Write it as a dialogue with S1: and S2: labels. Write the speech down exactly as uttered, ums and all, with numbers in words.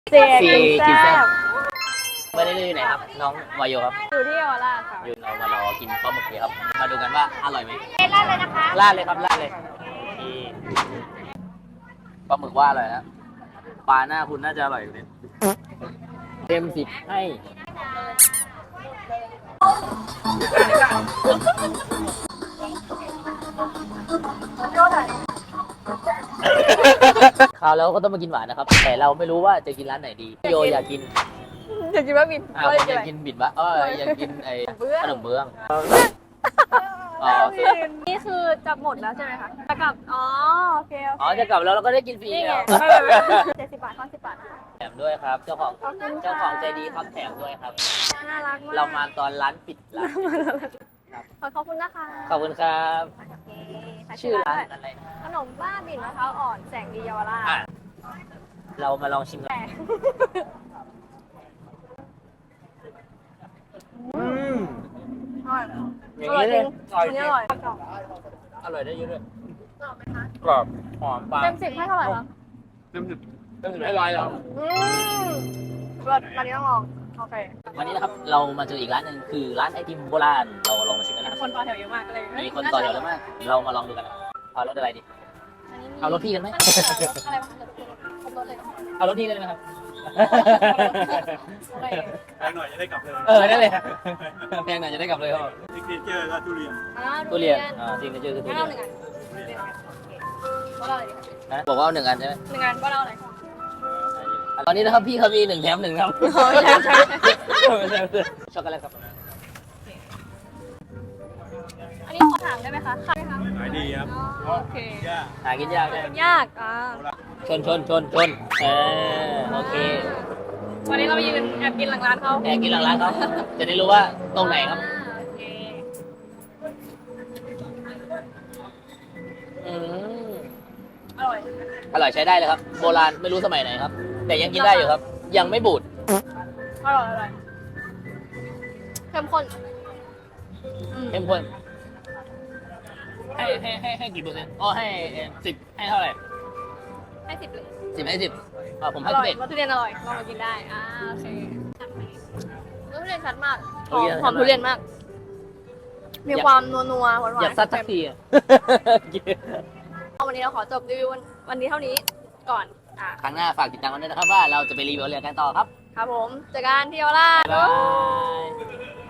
S1: เจ๊กิน
S2: กิน
S1: แซ่
S2: แซ่บบ ไม่ได้อยู่ไหนครับน้องวายโยครับ
S1: อยู่ที่เยาวราชค่ะ
S2: อยู่เรามารอกินปลาหมึกเลยครับมาดูกันว่าอร่อยไหม
S1: เล่นเลยนะคะ
S2: ลาดเลยครับลาดเลยนี่ปลาหมึกว่าอร่อยนะปลาหน้าคุณน่าจะอร่อยอยู่เนี่ยเต็มสิบให้คราวแล้วก็ต้องมากินหวานนะครับ แต่เราไม่รู้ว่าจะกินร้านไหนดีโยอยากกิน
S1: อยากกินบะหมี่
S2: อ่าผมอยากกินบิดวะเอออยากกินไอ้ขนมเบื้องอ๋อโอเค
S1: นี่คือจะหมดแล้วใช่ไหมคะจะกลับอ๋อโอเคโอ
S2: อ๋อ
S1: เค
S2: จะกลับแล้วเราก็ได้กินฟรี
S1: นี่ไง
S2: แล้ว
S1: เจ็ดสิบบาทข้อสิบบาท
S2: แถมด้วยครับ เจ้าของ
S1: ขอบคุณค่ะ
S2: เจ้าของใจดีครับแถมด้วยครับ
S1: น่ารักมาก
S2: เรามาตอนร้านปิดร้าน
S1: ขอขอบคุณนะคะ
S2: ขอบคุณครับ
S1: โอเคขาย
S2: ชื่อร้าน
S1: ด้วย
S2: อะไร
S1: ขนมบ้าบิ่นมะพร้าวอ่อนแสงดีเยาวราช
S2: อ่ะเรามาลองชิมกัน
S1: แต่
S2: อืม
S1: อร่อย
S2: อย่าง
S1: อร่อย
S2: นี้
S1: จริง
S2: เลย
S1: อันนี้อร่อย
S2: อร่อยได้เยอะด้วยกรอบหอมปลา
S1: เต็มสิบให้เท่าไหร่คะ
S2: เต็มสิบเต็มสิบให้ร้อยแล้ว
S1: อืมรสอันนี้ต้องลองโอเค
S2: วันนี้นะครับเรามาเจออีกร้านหนึ่งคือร้านไอติมโบราณเราลองมาชิมกันนะครับ
S1: คนต่อแถวเยอะมากเลย
S2: มีคนต่อแถวเยอะมาก เรามาลองดูกันนะครับเอารถอะไรดี เอารถพี่กันไหม
S1: อันนี้เหรออะไรวะครบรถเลยเหรอ
S2: เอารถพี่กันเลยไหมครับ
S1: โอเค
S3: แพงหน่อยจะได้กลับเลย
S2: เออนั่นเลยแพงหน่อยจะได้กลับเลยครับ
S3: ซิกเนเจอร์ก็ทุเรียน
S1: อ่า
S2: ทุเรียนอ่าจริงก็คือทุ
S1: งั้น
S2: เรีย
S1: เอา
S2: น
S1: หนึ่งอันหนึ่งอันโอเคว่าเราอะไรดีคะ
S2: นะบอกว่าเอาหนึ่งอันใช่ไหม
S1: หนึ่งอันว่าเราอะไร
S2: ตอนนี้นะครับพี่เขามีหนึ่งแถมหนึ่งครับ
S1: ใช่ใช่
S2: ช็อกโกแลตครับ
S1: อันนี้ขอถามได้ไหมคะขายไหมคะ
S3: ขายดีครับ
S1: อ๋อโอเค
S3: ย่า
S2: หากินยากใช่ไหม
S1: มันยากอ่า
S2: ชนชนชนชนเออโอเค
S1: วันนี้เราไปยืนแอบกินหลังร้านเขา
S2: แอบกินหลังร้านเขาจะได้รู้ว่าตรงไหนครับ
S1: อ่าโอเค
S2: อืม
S1: อร่อย
S2: อร่อยใช้ได้เลยครับ โบราณไม่รู้สมัยไหนครับ แต่ยังกินได้อยู่ครับ ยังไม่บูด
S1: อร่อยอร่อยเข้มข้นอืม
S2: เข้มข้นให้ให้ให้ให้กี่เปอร์เซ็นต์อ๋อให้สิบให้เท่าไหร่
S1: ให้สิบเลย
S2: สิบให้สิบอ่าผม
S1: อ
S2: ให้
S1: ร่
S2: สิ
S1: อบ ย
S2: เอ็ด
S1: วัตถุเรียนอร่อยลองมากินได้อ่าโอเควัตถุเรียนชัดมากห
S2: ทุ
S1: อม
S2: เรียน
S1: หอม
S2: ชัดมาก
S1: ทุเรียนมาก มีความนัวนัวๆหวานหวาน
S2: อยากซัดสักทีอะ
S1: วันนี้เราขอจบรีวิววันวันนี้เท่านี้ก่อนอ่า
S2: ครั้งหน้าฝากติดตามกันด้วยนะครับว่าเราจะไปรีวิวเรือกันต่อครับ
S1: ครับผมเจอกันที่เยาวราช
S2: บ๊ายบาย